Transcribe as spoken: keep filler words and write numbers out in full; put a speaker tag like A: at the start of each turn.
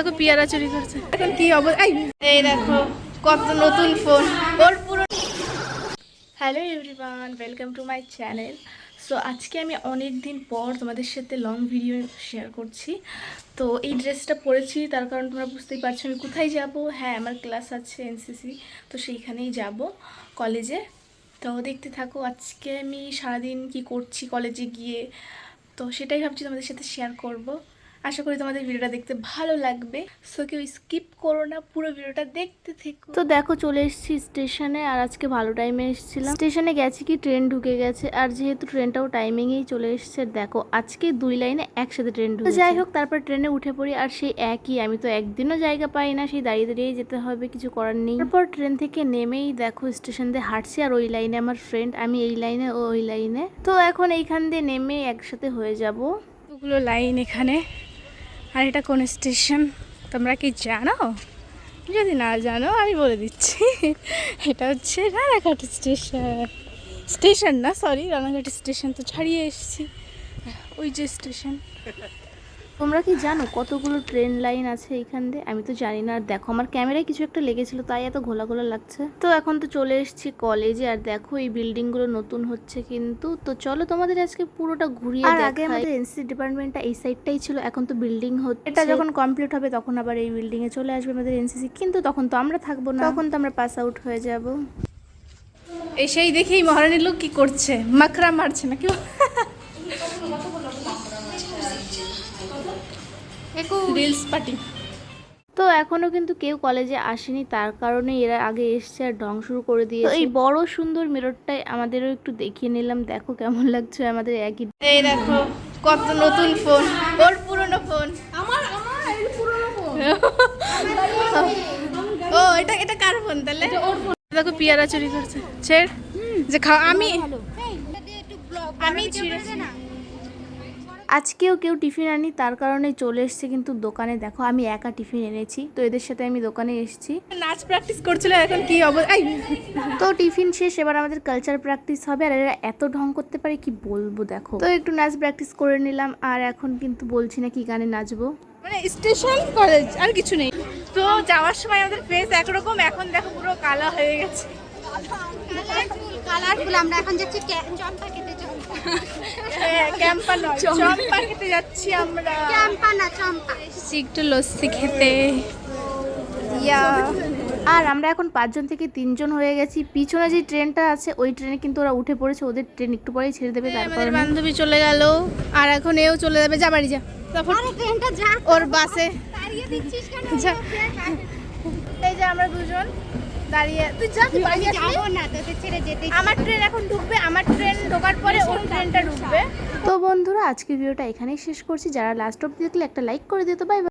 A: দেখো পিয়ারা চুরি করছে। এখন কি অবস্থা, এই দেখো কত নতুন ফোন ওর পুরো। Hello everyone, welcome to my channel. So আজকে আমি অনেক দিন পর তোমাদের সাথে লং ভিডিও শেয়ার করছি। তো এই ড্রেসটা পরেছি তার কারণ তোমরা বুঝতেই পারছো আমি কোথায় যাব। হ্যাঁ, আমার ক্লাস আছে এনসিসি, তো সেইখানেই যাব কলেজে। তো দেখতে থাকো আজকে আমি সারাদিন কি করছি কলেজে গিয়ে, তো সেটাই ভাবছি তোমাদের সাথে শেয়ার করব। আশা করি তোমাদের ভিডিওটা দেখতে ভালো লাগবে। সো কেউ স্কিপ করো না, পুরো ভিডিওটা দেখতে থেকো। তো দেখো চলে এসেছি স্টেশনে, আর আজকে ভালো টাইমে এসেছিলাম। স্টেশনে গেছি কি ট্রেন ঢুকে গেছে, আর যেহেতু ট্রেনটাও টাইমিংয়েই চলে এসেছে, দেখো আজকে দুই লাইনে একসাথে ট্রেন ঢুকে। যাই হোক, তারপর ট্রেনে উঠে পড়ি, আর সেই একই, আমি তো একদিনও জায়গা পাই না, সেই দাঁড়িয়ে দাঁড়িয়েই যেতে হবে, কিছু করার নেই। তারপর ট্রেন থেকে নেমেই দেখো স্টেশন দিয়ে হাঁটছি, আর ওই লাইনে আমার ফ্রেন্ড, আমি এই লাইনে ও ওই লাইনে। তো এখন এইখান দিয়ে নেমে একসাথে হয়ে যাব। ওগুলো লাইন এখানে। আর এটা কোন স্টেশন তোমরা কি জানো? যদি না জানো আমি বলে দিচ্ছি, এটা হচ্ছে রানাঘাট স্টেশন। স্টেশন না, সরি, রানাঘাট স্টেশন তো ছাড়িয়ে এসেছি, ওই যে স্টেশন। তোমরা কি জানো কতগুলো ট্রেন লাইন আছে এইখান দিয়ে? আমি তো জানি না। আর দেখো আমার ক্যামেরায় কিছু একটা লেগেছিল, তাই এত ঘোলা ঘোলা লাগছে। তো এখন তো চলে এসেছি কলেজে, আর দেখো এই বিল্ডিং গুলো নতুন হচ্ছে কিন্তু। তো চলো তোমাদের আজকে পুরোটা ঘুরিয়ে দেখাই। আগে আমাদের এনসিসি ডিপার্টমেন্টটা এই সাইডটাই ছিল, এখন তো বিল্ডিং হচ্ছে। এটা যখন কমপ্লিট হবে তখন আবার এই বিল্ডিং এ চলে আসবে আমাদের এনসিসি, কিন্তু তখন তো আমরা থাকবো না, তখন তো আমরা পাস আউট হয়ে যাব। এসেই দেখি মহারানীর লোক কি করছে, মাখরা মারছে না কেউ। Reels party. তো এখনো কিন্তু কেউ কলেজে আসেনি, তার কারণে এরা আগে এসছে আর ঢং শুরু করে দিয়েছে। এই বড় সুন্দর মিররটাই আমাদেরও একটু দেখিয়ে নিলাম, দেখো কেমন লাগছে আমাদের একই। এই দেখো কত নতুন ফোন, ওর পুরনো ফোন। আমার আমার এই পুরনো ফোন। ও এটা এটা কার ফোন তাহলে? ওর ফোন। দেখো পিয়ারা চুরি করছে, ছেড় যে খাও। আমি আমি ছিঁড়েছি না। আজকেও কেউ টিফিন আনি, তার কারণে চলে এসেছে কিন্তু দোকানে। দেখো আমি একা টিফিন এনেছি, তো এদের সাথে আমি দোকানে এসেছি। নাচ প্র্যাকটিস করছিল, এখন কি অবস্থা। তো টিফিন শেষ, এবার আমাদের কালচার প্র্যাকটিস হবে, আর এরা এত ঢং করতে পারে কি বলবো। দেখো তো একটু নাচ প্র্যাকটিস করে নিলাম, আর এখন কিন্তু বলছি না কি গানে নাচবো, মানে স্টেশন কলেজ আর কিছু নেই। তো যাওয়ার সময় আমাদের ফেস একরকম, এখন দেখো পুরো কালা হয়ে গেছে।
B: কালারফুল। আমরা এখন যাচ্ছি চম্পা খেতে। চম্পা
A: ক্যাম্পা নয়, চম্পা খেতে যাচ্ছি আমরা।
B: ক্যাম্পা না চম্পা।
A: একটু লস্যি খেতে। ইয়া। আর আমরা এখন পাঁচজন থেকে তিনজন হয়ে গেছি। পিছনে যে ট্রেনটা আছে ওই ট্রেনে কিন্তু ওরা উঠে পড়েছে, ওদের ট্রেন একটু পরেই ছেড়ে দেবে। তারপর বান্ধবী চলে গেল, আর এখন এও চলে যাবে। যা বাড়ি যা,
B: আরে ট্রেনটা যা
A: ওর বাসে
B: দাঁড়িয়ে দিচ্ছিস কেন?
A: এই যে আমরা দুজন দাঁড়িয়ে, তুই যা, তুই বাড়ি
B: যাবো না, তোদের ছেড়ে যেতে।
A: আমার ট্রেন এখন ঢুকবে, আমার ট্রেন ঢোকার পরে ওর ট্রেনটা ঢুকবে। তো বন্ধুরা আজকের ভিডিওটা এখানেই শেষ করছি। যারা লাস্ট অবধি দেখলে একটা লাইক করে দিও। তো বাই বাই।